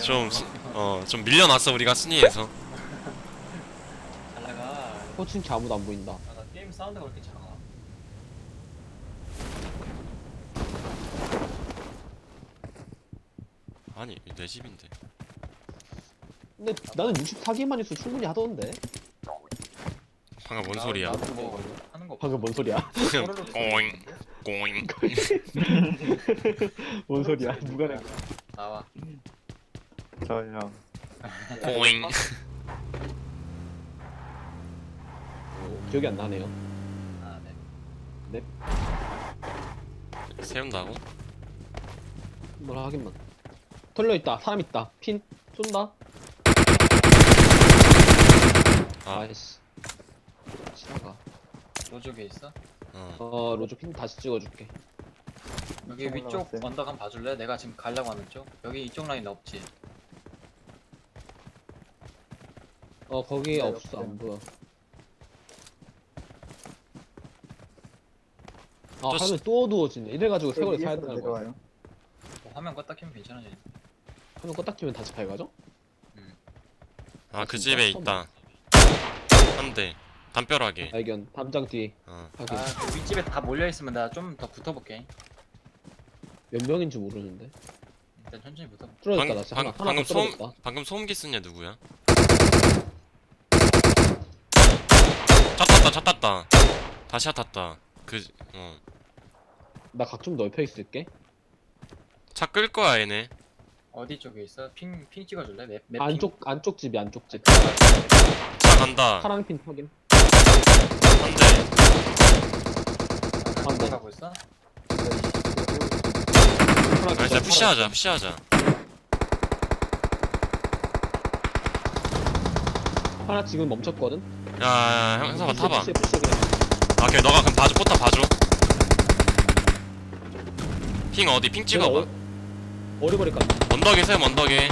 좀 밀려났어 우리가 순위에서. 잘 나가. 포칭키 아무도 안 보인다. 아, 나 게임 사운드가 왜 이렇게 작아? 아니 내 집인데. 근데 나는 64개만 있어 충분히 하던데. 방금 뭔 소리야? 나도 뭐 하는 거 방금 뭔 소리야? 꼬르륵 꼬잉 꼬잉. 뭔 소리야? 누가 낸 거야? 나와. 저요. 꼬잉. 기억이 안 나네요. 아, 네. 세운다고? 뭐라 하긴만. 털려 있다. 사람 있다. 핀 쏜다. 아, 아이씨. 지나가. 로족에 있어? 로즈 핀 다시 찍어줄게. 여기 엄청 위쪽 올라갔어요. 언덕 한번 봐줄래? 내가 지금 가려고 하는 쪽? 여기 이쪽 라인 없지? 거기 네, 없어. 없어요. 안 보여. 또 화면 또 어두워지네. 이래가지고 세월이 사야 위에서 되는 거야. 내려와요. 뭐 화면 껐다 켜면 괜찮아지. 화면 껐다 키면 다시 밝아져? 아 그 진짜? 집에 있다. 한 대. 담벼락에. 발견. 담장 뒤. 확인. 아, 그 윗집에 다 몰려있으면 내가 좀 더 붙어볼게. 몇 명인지 모르는데. 일단 천천히 붙어볼게. 뚫어졌다. 나 진짜 하나 방금 더 뚫어졌다. 방금 소음기 쓴 애 누구야? 차 탔다. 다시 탔다. 나 각 좀 넓혀 있을게. 차 끌 거야 얘네. 어디 쪽에 있어? 핑 찍어줄래? 맵 안쪽 집이 안쪽 집. 차 간다. 파랑 핀 확인. 한 대. 안 돼. 가고 있어? 파랑 아, 핀 진짜 푸시하자. 하나 지금 멈췄거든. 야, 형사가 타봐. 푸시 그냥. 아, 오케이, 너가 그럼 봐줘, 포탑 봐줘. 핑 어디? 핑 찍어봐. 어리버리 까. 언덕에 세움, 언덕에.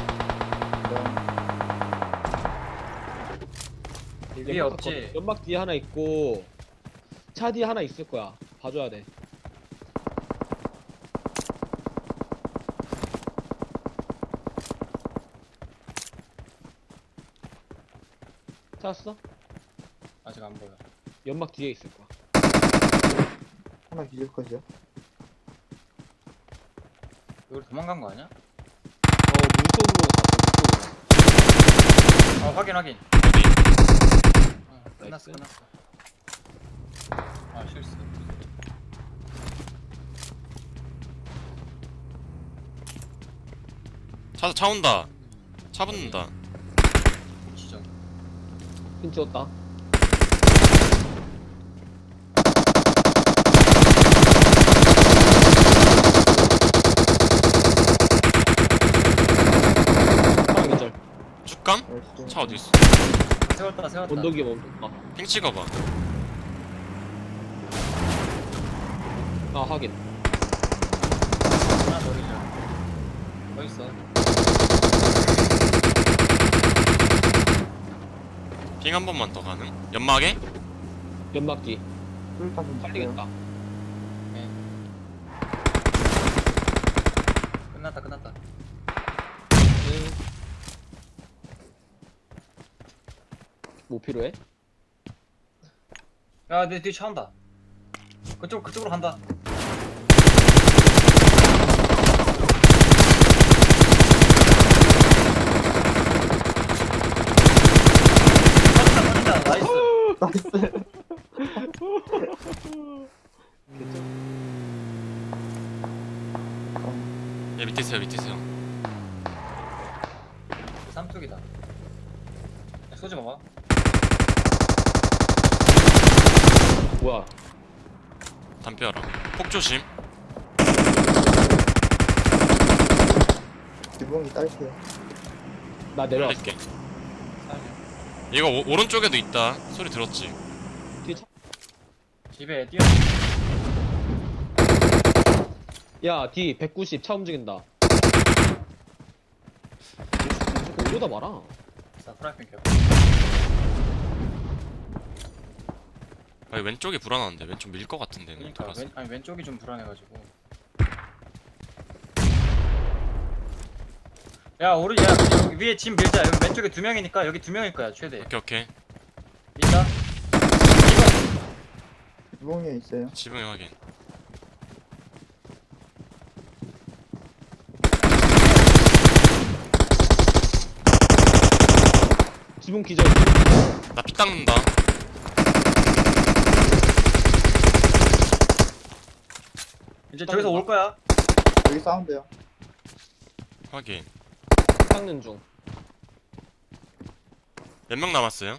위에 없지? 연막 뒤에 하나 있고 차 뒤에 하나 있을 거야. 봐줘야 돼. 찾았어? 아직 안 보여. 연막 뒤에 있을 거야. 하나 기절 컷이요. 이걸 도망간 거 아니야? 물속으로 갔어. 물속으로. 확인. 어디? 끝났어. 나이스. 아, 실수. 차 온다. 차 붙는다. 지점. 핀 찍었다. 파랑 계절. 축감? 나이스. 차 어디 있어? 세웠다. 언덕 위에 멈췄다. 핑 찍어봐. 아 확인. 하나 더 기절. 더 있어. 핑 한 번만 더 가능? 연막에? 연막 뒤. 뚫다 좀 살리겠다. 끝났다. 뭐 필요해? 야, 내 뒤에 차 온다. 그쪽으로 간다. 터진다. 나이스. 나이스. 얘 밑에 세요. 삼뚝이다. 쏘지 마봐. 뭐야? 담벼락. 폭 조심. 기봉이 딸게요. 나 내려왔어. 살릴게. 살려. 이거 오른쪽에도 있다. 소리 들었지? 뒤에 차. 집에 뛰어. 야, 뒤 190 차 움직인다. 무조건 이러다 말아. 자, 프라이팬 켜. 아니 왼쪽이 불안한데 왼쪽 밀 것 같은데. 그러니까 돌아서. 왼쪽이 좀 불안해가지고. 야 오른 야 여기 위에 짐 밀자. 여기 왼쪽에 2명이니까 여기 2명일 거야 최대. 오케이 오케이. 있다. 유봉에 있어요. 지붕에 확인. 지붕 기절. 나 피 닦는다. 이제 저기서 올 거야. 여기 사운드요. 확인. 닦는 중. 몇 명 남았어요?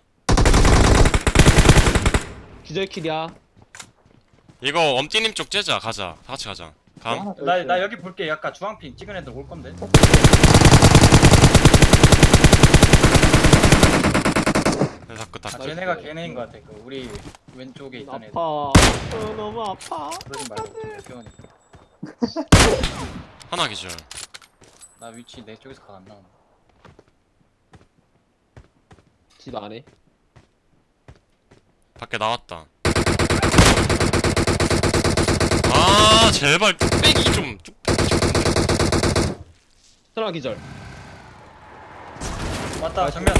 기절 킬이야. 이거 엄띠님 쪽 째자. 가자. 다 같이 가자. 감. 하나 더 나 있어요. 여기 볼게. 약간 주황핑 찍은 애들 올 건데. 내 자꾸 아, 닦. 걔네가 걔네인 것 같아. 그 우리 왼쪽에 있던 애들. 아파. 너무 아파. 그러지 말고 좀 귀여우니까. 하나 기절. 나 위치 내 쪽에서 각 안 나오네. 집 안에. 밖에 나왔다. 아 제발 뚝배기 좀. 뚝배기 좀. 하나 기절. 맞다 정면.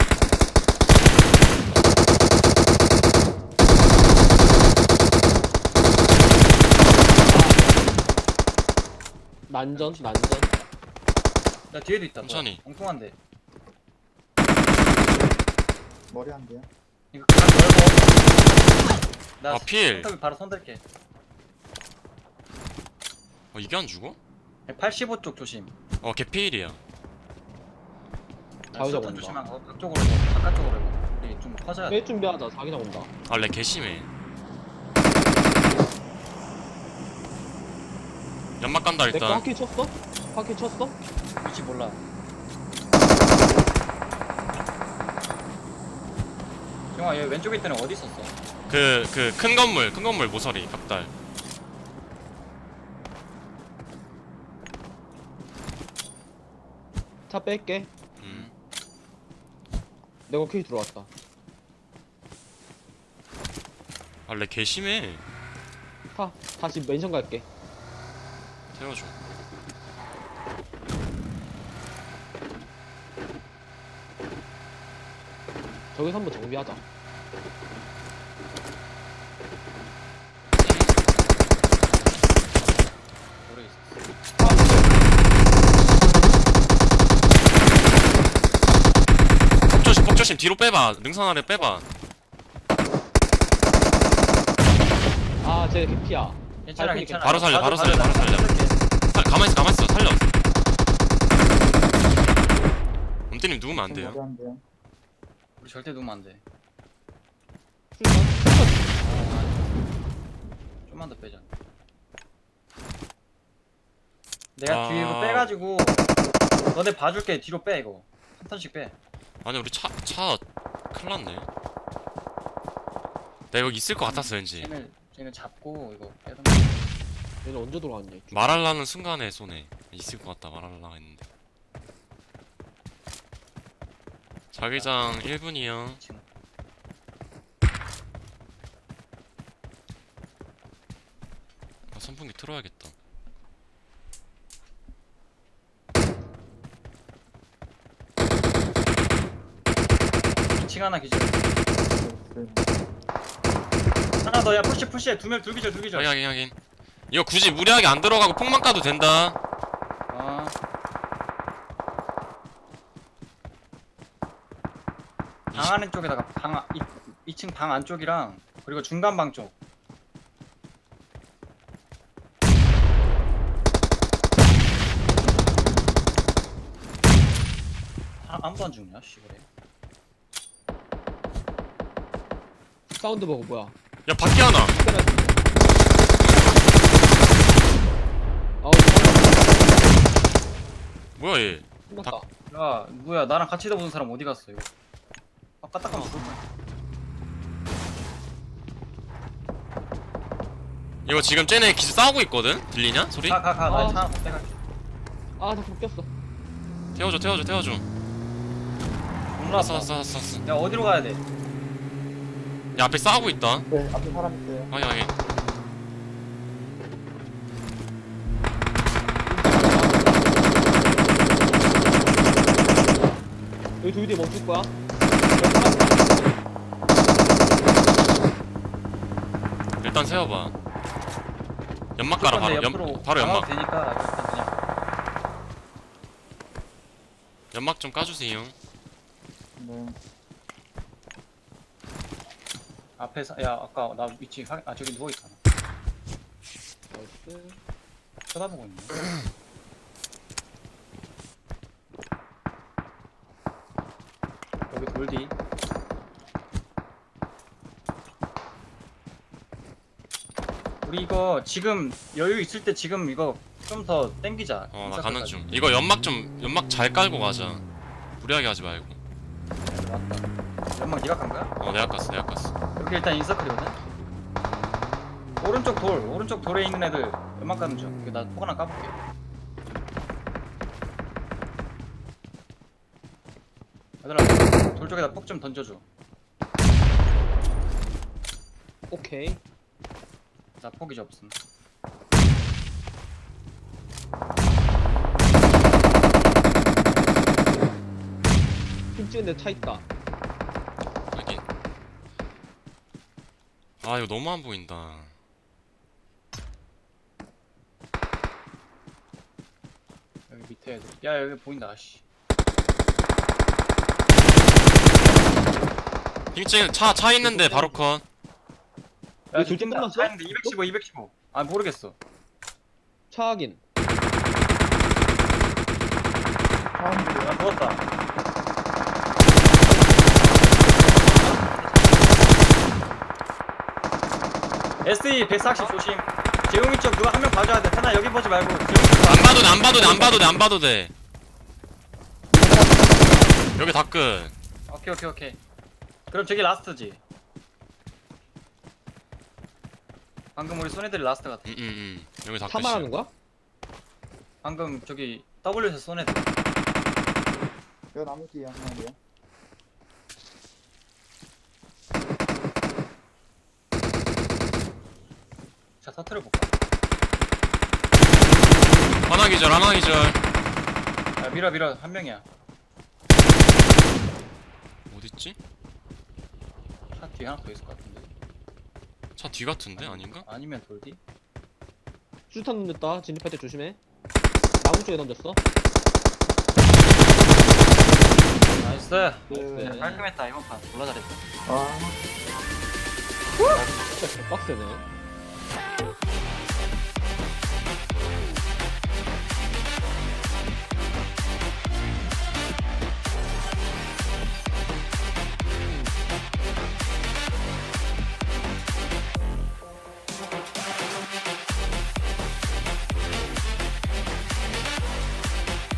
난전. 야 뒤에도 있다. 천천히. 엉뚱한데. 머리 한 대요. 이거 각 넓어. 나 아, 필. 손톱이 바로 손댈게. 이게 안 죽어? 85쪽 조심. 개피일이야. 자유자 수탄 온다. 조심하고 그쪽으로 해봐. 바깥쪽으로 해봐. 우리 좀 커져야 돼. 뺄 준비하자. 자기장 온다. 렉 개심해. 연막 간다 내거 일단. 바퀴 쳤어? 바퀴 쳤어? 위치 몰라. 형아 얘 왼쪽에 있던 애 어디 있었어? 그 큰 건물 모서리 벽달. 차 뺄게. 내가 킬 들어왔다. 렉 개심해. 타. 다시 멘션 갈게. 태워줘. 저기서 한번 정비하자. 모르겠어. 폭조심 뒤로 빼봐. 능선 아래 빼봐. 아, 쟤 개피야. 괜찮아 발코니 괜찮아. 바로 살려, 바로 살려, 나 바로 살려. 살릴게. 가만있어 살려. 엄띠님 누우면 안 돼요. 머리 한 대요. 우리 절대 누우면 안 돼. 출발. 좀만 더 빼자. 내가 아. 뒤에 이거 빼가지고 너네 봐줄게. 뒤로 빼 이거. 한 턴씩 빼. 아니 우리 차 큰일 났네. 나 여기 있을 것 같았어 왠지. 쟤는 잡고 이거 빼던. 얘는 언제 돌아왔냐? 이쪽. 말하려는 순간에 손에 있을 것 같다 말하려고 했는데. 자기장 1분이요. 지금. 선풍기 틀어야겠다. 층 하나 기절. 있어요. 하나 더야. 푸시해. 둘 기절. 확인. 이거 굳이 무리하게 안 들어가고 폭만 까도 된다. 아. 방 안에 쪽에다가 2층 방 안쪽이랑 그리고 중간 방 쪽. 아무도 안 죽냐? 씨 그래. 사운드 보고 뭐야? 야 밖에 하나. 아우, 뭐야 얘. 끝났다. 야 뭐야 나랑 같이 다보는 사람 어디 갔어 이거? 아까 딱 가면 죽을 거야. 이거 지금 쟤네 기지 싸우고 있거든? 들리냐? 소리? 가. 나 아. 차 하나 더 빼갈게. 아, 나 바뀌었어. 태워줘. 몰라. 왔어. 야 어디로 가야 돼? 야 앞에 싸우고 있다. 네, 앞에 사람 있어요. 확인. 뒤에 멈출 거야. 여기 하나 있다. 일단 세워봐. 연막 깔아 바로. 바로 연막. 되니까 일단 그냥 연막 좀 까주세요. 네. 앞에서 야 아까 나 위치 저기 누워 있잖아. 나이스. 쳐다보고 있네. 여기 돌디. 우리 이거 지금 여유 있을 때 지금 이거 좀 더 땡기자. 나 가는 중. 이거 연막 잘 깔고 가자. 무리하게 하지 말고. 맞다. 연막 네가 간 거야? 내가 깠어. 여기 일단 인서클이거든. 오른쪽 돌에 있는 애들 연막 가는 중. 이거 나 폭 하나 까볼게. 얘들아 돌 쪽에다 폭 좀 던져줘. 오케이. 나 폭이 좀 없음. 핀 찍은 데 차 있다. 여기. 이거 너무 안 보인다. 여기 밑에 애들. 야 여기 보인다. 씨. 핑찍 차 있는데 바로 컷. 야 둘째 뛴다. 끝났어? 차 있는데 215. 아 모르겠어. 차 확인. 사운드. 아 누웠다. SE 140 조심. 재용이 쪽 누가 한 명 봐줘야 돼. 태나 여기 보지 말고. 안 봐도 돼. 여기 다 끝. 오케이. 그럼 저기 라스트지. 방금 우리 손애들이 라스트 같아. 여기 다 차 끝이야. 말하는 거야? 방금 저기 W에서 손애들. 여 나무 뒤에 한 마리야. 자 터트려 볼까? 하나 기절. 야 밀어 한 명이야. 어딨지? 차 뒤에 하나 더 있을 것 같은데. 차 뒤 같은데? 아닌가? 아니면 돌디? 수류탄 던졌다. 진입할 때 조심해. 나무 쪽에 던졌어. 나이스. 네. 깔끔했다 이번 판. 졸라 잘했다. 아. 진짜 개빡세네.